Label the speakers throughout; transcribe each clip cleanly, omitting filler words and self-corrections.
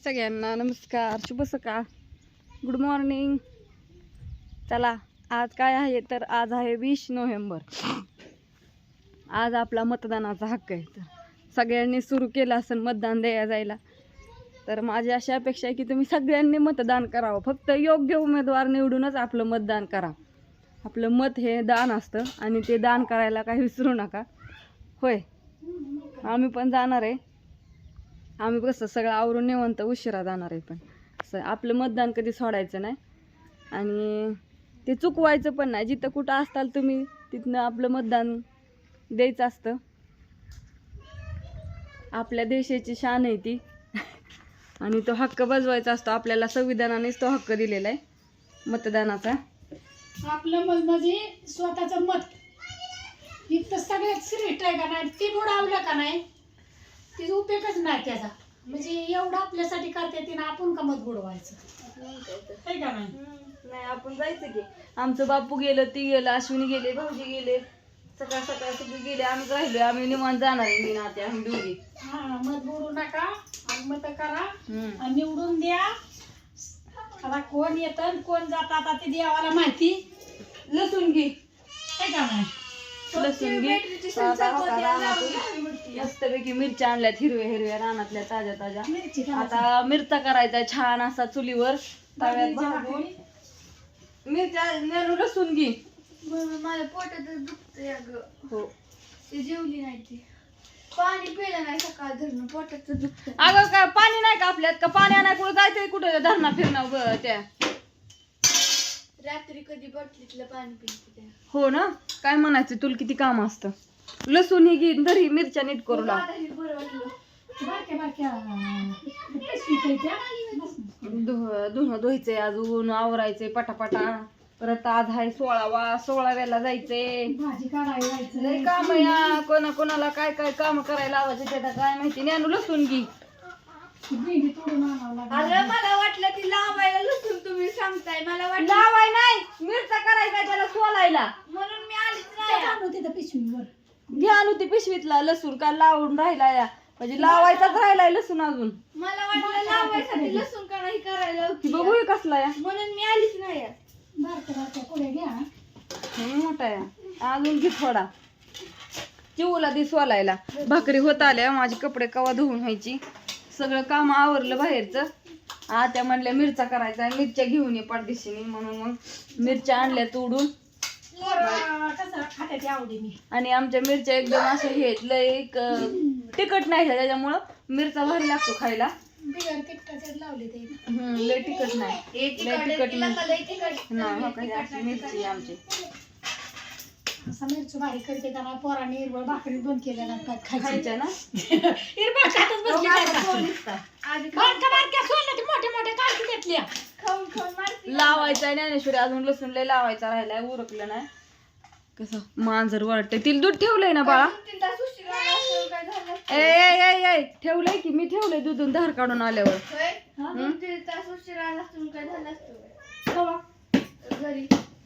Speaker 1: सगळ्यांना नमस्कार, शुभ सकाळ, गुड मॉर्निंग. चला, आज काय आहे तर आज आहे 20 नोव्हेंबर. आज आपला मतदानाचा हक्क आहे. तर सगळ्यांनी सुरू केलं असेल मतदान द्यायला जायला. तर माझी अशी अपेक्षा आहे की तुम्ही सगळ्यांनी मतदान करावं. फक्त योग्य उमेदवार निवडूनच आपलं मतदान करा. आपलं मत हे दान असतं आणि ते दान करायला काही विसरू नका. होय, आम्ही पण जाणार आहे. आम्ही कसं सगळं आवरून निवांत उशिरा जाणार आहे, पण आपलं मतदान कधी सोडायचं नाही आणि ते चुकवायचं पण नाही. जिथं कुठं असताल तुम्ही तिथनं आपलं मतदान द्यायचं असतं. आपल्या देशाची शान आहे ती आणि तो हक्क बजवायचा असतो. आपल्याला संविधानानेच तो हक्क दिलेला आहे मतदानाचा.
Speaker 2: आपलं मत म्हणजे स्वतःचं मत इथं सगळ्यात श्रेष्ठ आहे का नाही, ते बुडावलं का नाही तिचा उपयोगच नाही त्याचा. म्हणजे एवढं आपल्यासाठी करते तिनं आपण का मत बुडवायचं आहे का
Speaker 1: नाही. आपण जायचं की आमचं बापू गेलं, ती गेलं, अश्विनी गेले, भाऊजी गेले, सकाळ सकाळ सगळे गेले, आम्ही राहिलो. आम्ही निवांत जाणार आहे. मी नाते आम्ही दोघी.
Speaker 2: हा, मत बुडू नका आणि मत करा आणि निवडून द्या. आता कोण येतं कोण जातं आता ते देवाला माहिती.
Speaker 1: लसूण घे,
Speaker 2: आहे का नाही,
Speaker 1: लसूण घे. मस्तपैकी मिरच्या आणल्यात, हिरव्या हिरव्या रानातल्या ताज्या ताज्या. आता मिरचा करायचा छान असा चुलीवर तव्यात भाजून. मिरच्या नेलू, लसूण घे.
Speaker 3: माझ्या पोटात दुखतंय अगं.
Speaker 1: हो,
Speaker 3: ते जेवली नाही ती, पाणी पिलं नाही सकाळ धरणं, पोटात दुखतंय.
Speaker 1: अगं काय पाणी नाही का आपल्यात? का पाणी आणाय कुठं जायचंय? कुठं धरणा फिरणं त्या
Speaker 3: रात्री कधी बॉटलीतलं पाणी पिते त्या.
Speaker 1: हो ना, काय म्हणायचं तुला किती काम असतं. लसूण ही घे, तरी मिरच्या नीट करू लाग.
Speaker 3: मलाही बरं वाटलं.
Speaker 2: बारक्या बारक्या पिशवीत आहे त्या.
Speaker 1: धुणं धुवायचंय, अजून आवरायचंय पटापटा. परत आज आहे 16व्याला जायचंय.
Speaker 2: भाजी काढायला जायचं.
Speaker 1: लय काम या, कोणाला काय काय काम करायला लावायचं त्याला काय माहिती. ज्ञानू लसूण घे.
Speaker 2: भेंडी तोडून आणावं लागेल.
Speaker 3: अगं मला वाटलं ती लावायला लसूण तुम्ही सांगताय, मला वाटलं
Speaker 1: लावाय नाही, मिरचा करायचा त्याला सोलायला.
Speaker 3: म्हणून मी आलीच
Speaker 2: त्या
Speaker 3: नाही.
Speaker 2: आणू तिथं पिशवीवर.
Speaker 1: घ्या ती पिशवीतला लसूण का लावून राहिला या, म्हणजे लावायचाच राहिलाय लसूण अजून.
Speaker 3: मला वाटलं लावायसाठी लसूण का नाही करायला होती.
Speaker 1: बघू हे कसला या.
Speaker 3: म्हणून मी आलीच नाही.
Speaker 2: बारक्या बारक्या पुढे घ्या.
Speaker 1: हे मोठा या, अजून घे थोडा. चिवला दी सोलायला. भाकरी होत आल्या, माझे कपडे कवा धुवून व्हायची. सगळं काम आवरलं बाहेरचं. त्या म्हणल्या मिरचा करायचा, मिरच्या घेऊन ये पाठदिशीने, म्हणून मग मिरच्या आणल्या तोडून.
Speaker 2: कसं खात्याची आवडीने.
Speaker 1: आणि आमच्या मिरच्या एकदम अशा हे आहेत, लय तिखट नाही, त्याच्यामुळं मिरचा भारी लागतो खायला.
Speaker 2: बिगर तिखटाचे लावले ते.
Speaker 1: लय तिखट नाही, लय तिखट नाही.
Speaker 3: नाही
Speaker 1: हो का, अशी मिरची आहे आमची.
Speaker 2: असं मिरची भारी करते का नाही, पोराने हिरवळ भाकरी बंद केल्या नाही खायची.
Speaker 1: खायच्या ना.
Speaker 2: हिरवळ खातच बसली काय का.
Speaker 3: आधी
Speaker 2: बारक्या बारक्या सोडल्या ते मोठे मोठे काढते त्यातल्या.
Speaker 3: खाऊन खाऊन मारती.
Speaker 1: लावायचा ज्ञानेश्वरी, अजून लसूण लय लावायचा राहिलाय, उरकलं नाही. कसं मांजर वाटतंय. तिला दूध ठेवलंय ना बाळा?
Speaker 3: 2-3 तास उशिरा आला असं काय झालं असतं?
Speaker 1: ए ठेवलंय की, मी ठेवलंय दूधून धार काढून आल्यावर.
Speaker 3: होय? 2-3 तास उशिरा आला असतं काय झालं असतं?
Speaker 1: कवा?
Speaker 3: घरी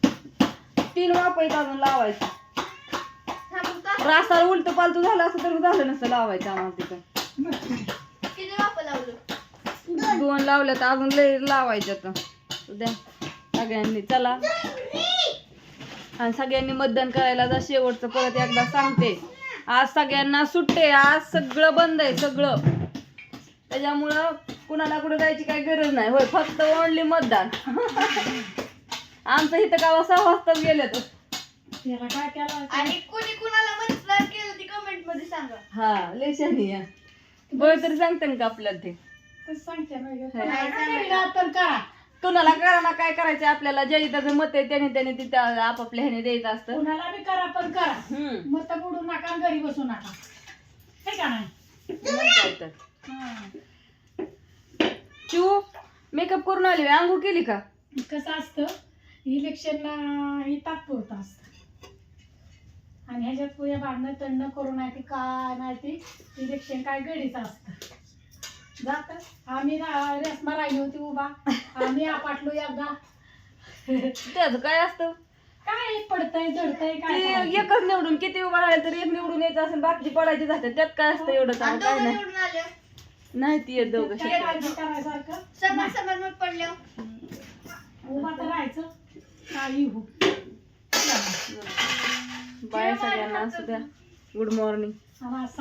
Speaker 1: 3 वापस अजून लावायचं.
Speaker 3: थांबून तास
Speaker 1: रासाला उलट पालतू झालं असं तर झालं नसतं लावायचं आम्हाला तिथं.
Speaker 3: किती वापर लावलं?
Speaker 1: 2 लावल्या तर अजून लय लावायच्या. तर द्या सगळ्यांनी, चला. आणि सगळ्यांनी मतदान करायला जा. शेवटचं परत एकदा सांगते, आज सगळ्यांना सुट्टे. आज सगळं बंद आहे, सगळं. त्याच्यामुळं कुणाला कुठं जायची काही गरज नाही. होय, फक्त ओनली मतदान. आमचं इथं गावा 6 वाजता गेले तर.
Speaker 2: त्याला काय केलं
Speaker 3: आणि कोणी कुणाला मतदान केलं ते कमेंट मध्ये सांगा.
Speaker 1: हा, लय शहाणी आहे. बरं तरी सांगते ना का आपल्याला ते.
Speaker 2: तर सांगते
Speaker 3: नाही
Speaker 2: तर करा.
Speaker 1: कुणाला करा ना, काय करायचं आपल्याला. ज्याची त्याचं मत आहे त्याने तिथं आपापल्या ह्याने द्यायचं असतं.
Speaker 2: कुणाला बी करा पण करा. मत बुडू नका, घरी बसू नका, हे का नाही.
Speaker 1: मग काय तर. चिऊ मेकअप करून आली, आंघोळ केली का?
Speaker 2: कसं असतं, इलेक्शनला हे तात्पुरतं असतं आणि ह्याच्यात पुढे भांडणं तंडणं करू नाही ते काय नाही ते इलेक्शन काय गडीचं असतं. जात आम्ही रेसमा राहिली होती उभा, आम्ही आपटलो एकदा.
Speaker 1: त्याचं काय असतं,
Speaker 2: काय पडतंय जडतंय
Speaker 1: ते
Speaker 2: काय.
Speaker 1: एकच निवडून किती उभा राहिले तर एक निवडून यायचं असेल, बाकीची पडायची जाते. त्यात काय असतं एवढं
Speaker 3: आणि
Speaker 1: चांगलं काय
Speaker 3: दोघं
Speaker 1: नाही.
Speaker 3: निवडून आले.
Speaker 1: नाही ती येत दोघं
Speaker 2: काय
Speaker 1: शिकायला.
Speaker 2: काळजी करायसारखं
Speaker 3: समोर समोर मग पडल्यावर
Speaker 2: उभा तर राहायचं काही हो
Speaker 1: बाय सगळ्यांना असू द्या. Good morning.
Speaker 2: आणि असं